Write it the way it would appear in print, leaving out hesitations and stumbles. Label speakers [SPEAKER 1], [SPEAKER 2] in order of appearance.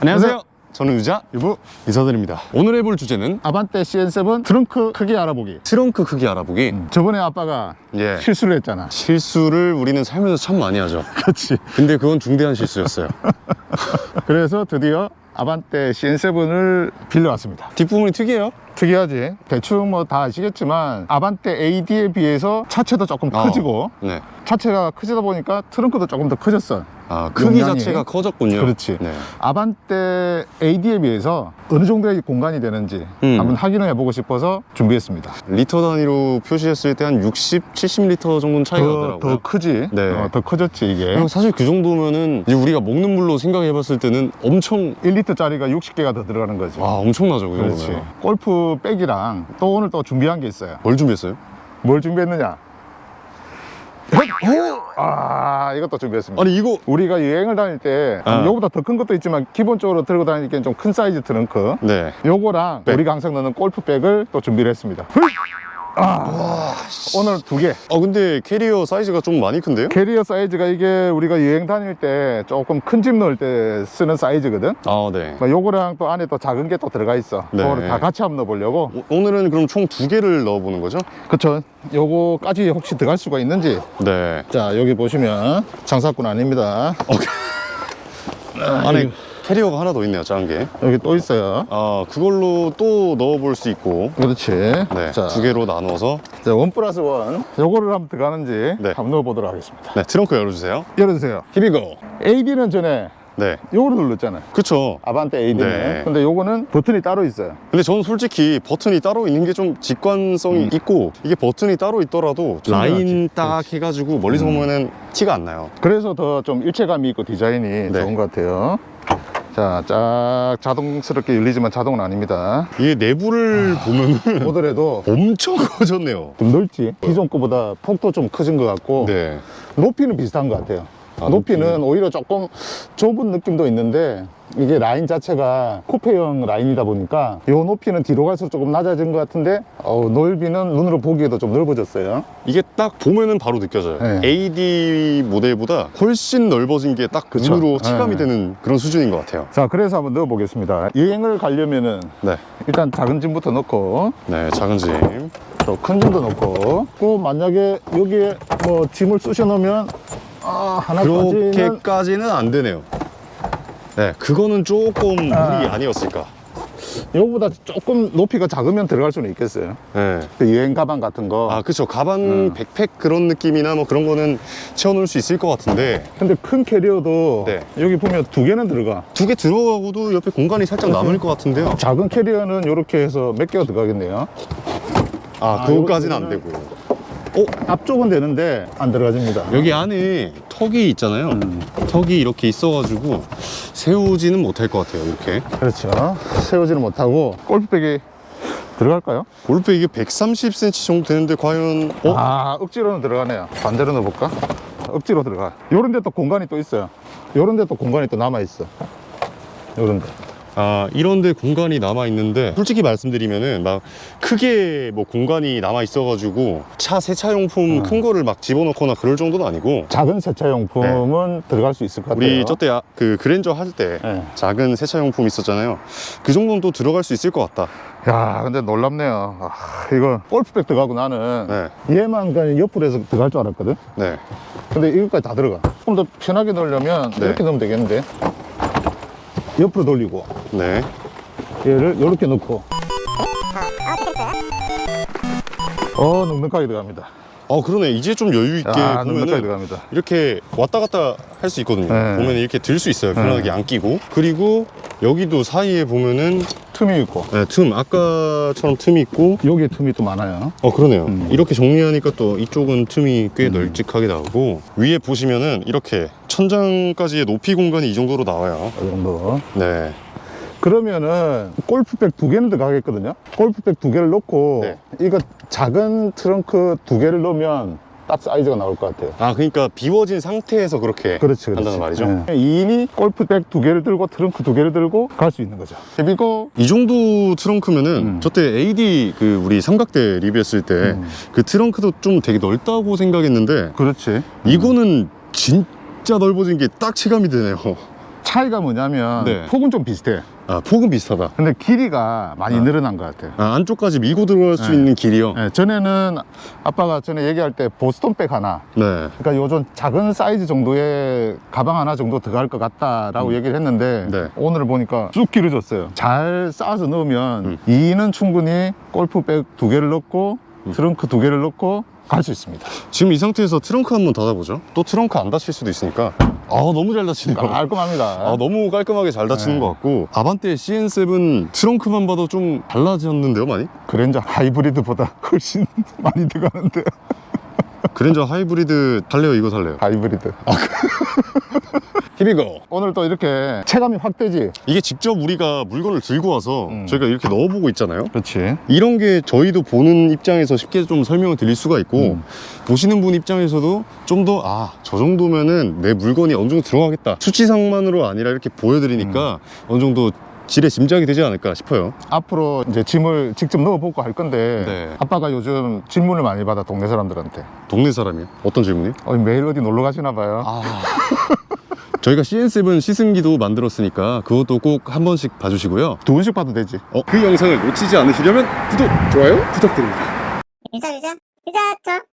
[SPEAKER 1] 안녕하세요. 저는 유자, 유부 인사드립니다. 오늘 해볼 주제는
[SPEAKER 2] 아반떼 CN7 트렁크 크기 알아보기.
[SPEAKER 1] 트렁크 크기 알아보기.
[SPEAKER 2] 저번에 아빠가
[SPEAKER 1] 예.
[SPEAKER 2] 실수를 했잖아.
[SPEAKER 1] 실수를 우리는 살면서 참 많이 하죠.
[SPEAKER 2] 그렇지.
[SPEAKER 1] 근데 그건 중대한 실수였어요.
[SPEAKER 2] 그래서 드디어 아반떼 CN7을 빌려왔습니다.
[SPEAKER 1] 뒷부분이 특이해요.
[SPEAKER 2] 특이하지. 대충 뭐 다 아시겠지만 아반떼 AD에 비해서 차체도 조금 커지고
[SPEAKER 1] 네.
[SPEAKER 2] 차체가 커지다 보니까 트렁크도 조금 더 커졌어.
[SPEAKER 1] 아, 크기
[SPEAKER 2] 용량이.
[SPEAKER 1] 자체가 커졌군요.
[SPEAKER 2] 그렇지.
[SPEAKER 1] 네.
[SPEAKER 2] 아반떼 AD에 비해서 어느 정도의 공간이 되는지 한번 확인을 해보고 싶어서 준비했습니다.
[SPEAKER 1] 리터 단위로 표시했을 때 한 60, 70리터 정도는 차이가 나더라고요.
[SPEAKER 2] 더 크지.
[SPEAKER 1] 네.
[SPEAKER 2] 더 커졌지 이게.
[SPEAKER 1] 그냥 사실 그 정도면은 이제 우리가 먹는 물로 생각해봤을 때는 엄청
[SPEAKER 2] 1리터짜리가 60개가 더 들어가는 거지.
[SPEAKER 1] 엄청나죠, 그
[SPEAKER 2] 그렇지.
[SPEAKER 1] 정도면.
[SPEAKER 2] 골프 백이랑 또 오늘 또 준비한 게 있어요.
[SPEAKER 1] 뭘 준비했어요?
[SPEAKER 2] 뭘 준비했느냐? 이것도 준비했습니다.
[SPEAKER 1] 아니 이거
[SPEAKER 2] 우리가 여행을 다닐 때 요거보다 더 큰 것도 있지만 기본적으로 들고 다니기엔 좀 큰 사이즈 트렁크,
[SPEAKER 1] 네.
[SPEAKER 2] 요거랑
[SPEAKER 1] 백.
[SPEAKER 2] 우리가 항상 넣는 골프백을 또 준비를 했습니다. 오늘 2개.
[SPEAKER 1] 근데 캐리어 사이즈가 좀 많이 큰데요?
[SPEAKER 2] 캐리어 사이즈가 이게 우리가 여행 다닐 때 조금 큰 짐 넣을 때 쓰는 사이즈거든.
[SPEAKER 1] 네.
[SPEAKER 2] 요거랑 또 안에 또 작은 게 또 들어가 있어.
[SPEAKER 1] 네.
[SPEAKER 2] 그거를 다 같이 한번 넣어보려고.
[SPEAKER 1] 오늘은 그럼 총 2개를 넣어보는 거죠?
[SPEAKER 2] 그쵸. 요거까지 혹시 들어갈 수가 있는지.
[SPEAKER 1] 네.
[SPEAKER 2] 자, 여기 보시면 장사꾼 아닙니다.
[SPEAKER 1] 안에 캐리어가 하나 더 있네요, 작은 게.
[SPEAKER 2] 여기 또 있어요.
[SPEAKER 1] 그걸로 또 넣어볼 수 있고.
[SPEAKER 2] 그렇지.
[SPEAKER 1] 네.
[SPEAKER 2] 자,
[SPEAKER 1] 2개로 나누어서.
[SPEAKER 2] 자, 1+1. 요거를 한번 들어가는지
[SPEAKER 1] 네.
[SPEAKER 2] 한번 넣어보도록 하겠습니다.
[SPEAKER 1] 네, 트렁크 열어주세요.
[SPEAKER 2] 열어주세요.
[SPEAKER 1] Here we go.
[SPEAKER 2] AD는 전에
[SPEAKER 1] 네.
[SPEAKER 2] 요거를 눌렀잖아요.
[SPEAKER 1] 그쵸.
[SPEAKER 2] 아반떼 AD는.
[SPEAKER 1] 네.
[SPEAKER 2] 근데 요거는 버튼이 따로 있어요.
[SPEAKER 1] 근데 저는 솔직히 버튼이 따로 있는 게 좀 직관성이 있고, 이게 버튼이 따로 있더라도 라인 딱 해가지고 멀리서 보면은 티가 안 나요.
[SPEAKER 2] 그래서 더 좀 일체감이 있고 디자인이 좋은 것 같아요. 자, 쫙 자동스럽게 열리지만 자동은 아닙니다.
[SPEAKER 1] 이게 내부를 보면은
[SPEAKER 2] 보더라도
[SPEAKER 1] 엄청 커졌네요.
[SPEAKER 2] 좀 넓지? 기존 거보다 폭도 좀 커진 것 같고
[SPEAKER 1] 네.
[SPEAKER 2] 높이는 비슷한 것 같아요. 높이는 오히려 조금 좁은 느낌도 있는데 이게 라인 자체가 쿠페형 라인이다 보니까 이 높이는 뒤로 갈수록 조금 낮아진 것 같은데 넓이는 눈으로 보기에도 좀 넓어졌어요.
[SPEAKER 1] 이게 딱 보면은 바로 느껴져요.
[SPEAKER 2] 네.
[SPEAKER 1] AD 모델보다 훨씬 넓어진 게 딱
[SPEAKER 2] 그쵸.
[SPEAKER 1] 눈으로 체감이
[SPEAKER 2] 네.
[SPEAKER 1] 되는 그런 수준인 것 같아요.
[SPEAKER 2] 자, 그래서 한번 넣어 보겠습니다. 여행을 가려면은
[SPEAKER 1] 네.
[SPEAKER 2] 일단 작은 짐부터 넣고
[SPEAKER 1] 네, 작은 짐.
[SPEAKER 2] 또 큰 짐도 넣고 또 만약에 여기에 뭐 짐을 쑤셔 넣으면 하나까지는
[SPEAKER 1] 그렇게까지는 안 되네요. 네, 그거는 조금 무리 아니었을까.
[SPEAKER 2] 이거보다 조금 높이가 작으면 들어갈 수는 있겠어요.
[SPEAKER 1] 네.
[SPEAKER 2] 그 여행 가방 같은 거.
[SPEAKER 1] 그쵸. 가방, 백팩 그런 느낌이나 뭐 그런 거는 채워놓을 수 있을 것 같은데.
[SPEAKER 2] 근데 큰 캐리어도
[SPEAKER 1] 네.
[SPEAKER 2] 여기 보면 2개는 들어가.
[SPEAKER 1] 2개 들어가고도 옆에 공간이 살짝 남을 것 같은데요.
[SPEAKER 2] 작은 캐리어는 이렇게 해서 몇 개가 들어가겠네요.
[SPEAKER 1] 그거까지는 안 되고.
[SPEAKER 2] 앞쪽은 되는데 안 들어가집니다.
[SPEAKER 1] 여기 안에 턱이 있잖아요. 턱이 이렇게 있어가지고 세우지는 못할 것 같아요, 이렇게.
[SPEAKER 2] 그렇죠. 세우지는 못하고 골프백이 들어갈까요?
[SPEAKER 1] 골프 이게 130cm 정도 되는데 과연
[SPEAKER 2] 억지로는 들어가네요. 반대로 넣어볼까? 억지로 들어가. 요런 데 또 공간이 또 있어요. 요런 데 또 공간이 또 남아있어. 요런 데.
[SPEAKER 1] 이런데 공간이 남아 있는데 솔직히 말씀드리면은 막 크게 뭐 공간이 남아 있어가지고 차 세차용품 큰 거를 막 집어넣거나 그럴 정도는 아니고,
[SPEAKER 2] 작은 세차용품은 들어갈 수 있을 것 같아요.
[SPEAKER 1] 우리 저때 그 그랜저 할 때
[SPEAKER 2] 네.
[SPEAKER 1] 작은 세차용품 있었잖아요. 그 정도는 또 들어갈 수 있을 것 같다.
[SPEAKER 2] 야, 근데 놀랍네요. 이거 골프백 들어가고 나는
[SPEAKER 1] 네.
[SPEAKER 2] 얘만 그냥 옆으로 해서 들어갈 줄 알았거든.
[SPEAKER 1] 네.
[SPEAKER 2] 근데 이것까지 다 들어가. 좀 더 편하게 넣으려면 이렇게 넣으면 되겠는데. 옆으로 돌리고
[SPEAKER 1] 네.
[SPEAKER 2] 얘를 이렇게 넣고 넉넉하게 들어갑니다.
[SPEAKER 1] 그러네. 이제 좀 여유 있게
[SPEAKER 2] 넉넉하게
[SPEAKER 1] 보면은
[SPEAKER 2] 들어갑니다.
[SPEAKER 1] 이렇게 왔다 갔다 할 수 있거든요.
[SPEAKER 2] 네.
[SPEAKER 1] 보면 이렇게 들 수 있어요. 편하게 안 끼고. 그리고 여기도 사이에 보면은
[SPEAKER 2] 틈이 있고
[SPEAKER 1] 틈, 아까처럼 틈이 있고.
[SPEAKER 2] 여기에 틈이 또 많아요.
[SPEAKER 1] 그러네요. 이렇게 정리하니까 또 이쪽은 틈이 꽤 널찍하게 나오고, 위에 보시면은 이렇게 천장까지의 높이 공간이 이 정도로 나와요.
[SPEAKER 2] 이 정도.
[SPEAKER 1] 네.
[SPEAKER 2] 그러면은 골프백 2개는 들어가겠거든요. 골프백 2개를 넣고
[SPEAKER 1] 네.
[SPEAKER 2] 이거 작은 트렁크 2개를 넣으면 딱 사이즈가 나올 것 같아요.
[SPEAKER 1] 그러니까 비워진 상태에서 그렇게
[SPEAKER 2] 그렇지.
[SPEAKER 1] 한다는 말이죠.
[SPEAKER 2] 2인이 골프백 2개를 들고 트렁크 2개를 들고 갈 수 있는 거죠. 그리고
[SPEAKER 1] 이 정도 트렁크면은 저때 AD 우리 삼각대 리뷰했을 때 그 트렁크도 좀 되게 넓다고 생각했는데,
[SPEAKER 2] 그렇지.
[SPEAKER 1] 이거는 진짜 넓어진 게 딱 체감이 되네요.
[SPEAKER 2] 차이가 뭐냐면
[SPEAKER 1] 네.
[SPEAKER 2] 폭은 좀 비슷해.
[SPEAKER 1] 아, 폭은 비슷하다.
[SPEAKER 2] 근데 길이가 많이 늘어난 것 같아요.
[SPEAKER 1] 아, 안쪽까지 밀고 들어갈 수
[SPEAKER 2] 네.
[SPEAKER 1] 있는 길이요?
[SPEAKER 2] 네, 전에는 아빠가 전에 얘기할 때 보스턴백 하나,
[SPEAKER 1] 네.
[SPEAKER 2] 그러니까 요즘 작은 사이즈 정도의 가방 하나 정도 들어갈 것 같다라고 얘기를 했는데
[SPEAKER 1] 네.
[SPEAKER 2] 오늘 보니까 쑥 길어졌어요. 잘 쌓아서 넣으면 2인은 충분히 골프백 2개를 넣고 트렁크 2개를 넣고 갈 수 있습니다.
[SPEAKER 1] 지금 이 상태에서 트렁크 한번 닫아보죠. 또 트렁크 안 닫힐 수도 있으니까. 아, 너무 잘 닫히네요.
[SPEAKER 2] 깔끔합니다.
[SPEAKER 1] 아, 너무 깔끔하게 잘 닫히는
[SPEAKER 2] 네.
[SPEAKER 1] 것 같고, 아반떼 CN7 트렁크만 봐도 좀 달라졌는데요, 많이?
[SPEAKER 2] 그랜저 하이브리드보다 훨씬 많이 들어가는데.
[SPEAKER 1] 그랜저 하이브리드 살래요, 이거 살래요?
[SPEAKER 2] 하이브리드.
[SPEAKER 1] 히비고.
[SPEAKER 2] 오늘 또 이렇게 체감이 확 되지.
[SPEAKER 1] 이게 직접 우리가 물건을 들고 와서 저희가 이렇게 넣어보고 있잖아요.
[SPEAKER 2] 그렇지.
[SPEAKER 1] 이런 게 저희도 보는 입장에서 쉽게 좀 설명을 드릴 수가 있고, 보시는 분 입장에서도 좀 더, 아, 저 정도면은 내 물건이 어느 정도 들어가겠다. 수치상만으로 아니라 이렇게 보여드리니까 어느 정도 질의 짐작이 되지 않을까 싶어요.
[SPEAKER 2] 앞으로 이제 짐을 직접 넣어보고 할 건데
[SPEAKER 1] 네.
[SPEAKER 2] 아빠가 요즘 질문을 많이 받아, 동네 사람들한테.
[SPEAKER 1] 동네 사람이요? 어떤 질문이?
[SPEAKER 2] 매일 어디 놀러 가시나 봐요.
[SPEAKER 1] 저희가 CN7 시승기도 만들었으니까 그것도 꼭 한 번씩 봐주시고요.
[SPEAKER 2] 2번씩 봐도 되지.
[SPEAKER 1] 그 영상을 놓치지 않으시려면 구독, 좋아요 부탁드립니다.
[SPEAKER 3] 유자, 저.